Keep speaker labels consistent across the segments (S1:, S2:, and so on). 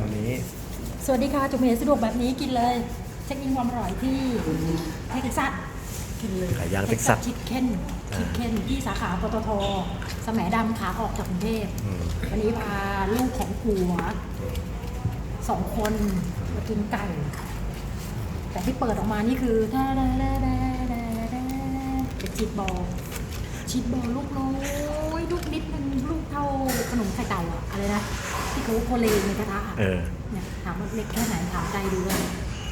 S1: วันนี้
S2: สวัสดีค่ะจุ๋มเอ๋สะดวกแบบนี้กินเลยเช็คอินความอร่อยที่เท็กซัสกินเลย
S1: ไก่ย่างเท็กซัส
S2: ชิคเก้นที่สาขาปตท.แสมดำขาออกจากกรุงเทพวันนี้พาลูกของผัว2 คนมากินไก่ แต่ที่เปิดออกมานี่คือเป็นชีสบอลลูกน้อยลูกนิดนึงลูกเท่าขนมไข่เต่าอะอะไรนะที่เขาโคเลในกระทะเนี่ยถามว่าเล็กแค่ไหนถามใจดูเลย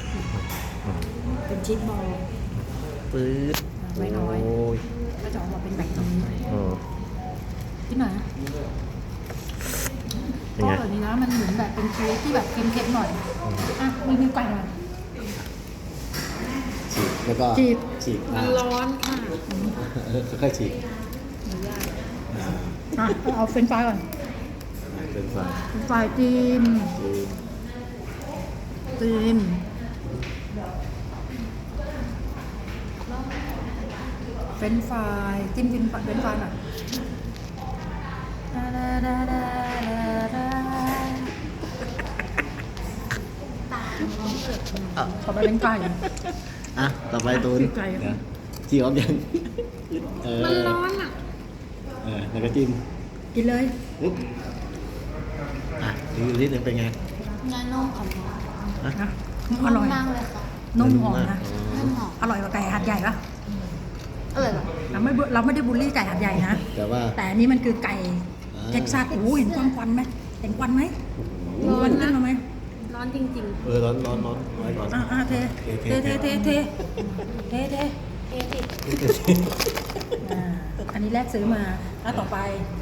S2: เป็นชีสบอล
S1: ปื๊ด
S2: ไม่น้อยก็จะออกมาเป็นแบบนี้ที่ไหนก็แบบนี้นะมันเหมือนแบบเป็นเค้กที่แบบเค็มๆหน่อยอ่ะมีไก่หน่อย
S1: ฉีกแล้วก็ฉีก
S2: มันร้อนค่ะ
S1: ค่อยๆฉีก
S2: เอาเฟรนช์ฟรายก่อน
S1: เป็นไฟ
S2: จิ้มเฟรนช์ฟรายจิ้มเฟรนช์ฟรายหน่อยต่อไปเป็นไก่
S1: ต่อไปตูนจีออฟยัง
S2: มันร้อนอ่ะ
S1: แล้วก็จิ้ม
S2: กินเลย
S1: ปุ๊บดูนิดนึงเป็นไง
S3: เนื้อนุ่มอ
S2: อร่อย
S3: ร่อยมากเลยค่ะ
S2: นุ่มหอมนะ
S3: นุ่มหอม
S2: อร่อยกว่าไก่หัดใหญ่ปะ
S3: อร่อยปะ
S2: เราไม่ได้บูลลี่ไก่หัดใหญ่นะแต่อันนี้มันคือไก่เท็กซัสโอ้เห็นควันไหมเห็นควันไหมร้อนขึ้นมาไหม
S3: ร้อนจริง
S1: ๆร้อนไว้ก่อน
S2: เทอันนี้แรกซื้อมาแล้วต่อไป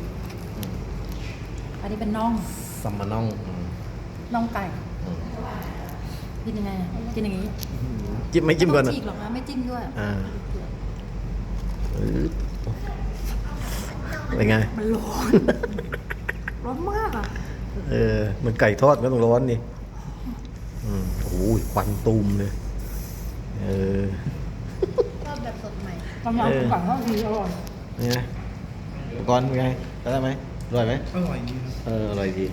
S2: อันนี้เป็นน่อง
S1: ซัมมาน่
S2: องไก่กินยังไงกินอย่างนี้
S1: จิ้มไม่จิ้มก่อนนะ
S2: ฉีกหรอกนะไม่จิ้มด้วย
S1: เป็นไง
S2: มันร้อนมากอ่ะ
S1: มันไก่ทอดก็ต้องร้อนนี่โอ้ยควันตูมเลย
S3: ชอบแบบสดใหม่
S2: กำลังไก่ทอดดีอร่อย
S1: นี่ไงก่อนเป็นไงได้ไหมอร่อยไหม
S4: อร่อยดี
S1: อร่อยดี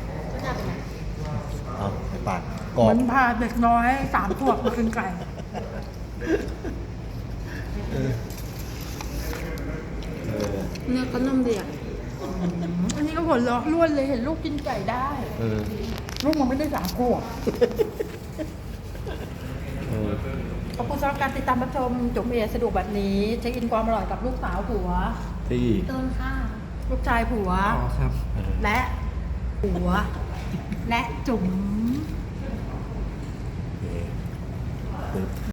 S1: เอาไปปาดกรอบ
S2: เหมือนพาเด็กน้อย3 ขวบมากินไก่
S3: เนื้อก็นุ่มดีอ่ะ
S2: อันนี้ก็หัวเราะล้วนเลยเห็นลูกกินไก่ได้ลูกมันไม่ได้3 ขวบขอบคุณสำหรับการติดตามรับชมจุ๋มเอสะดวกแบบนี้เช็คอินความอร่อยกับลูกสาวผัว
S1: ที่
S3: ต้นข้า
S2: ลูกชายผัวและผัวและจุ๋ม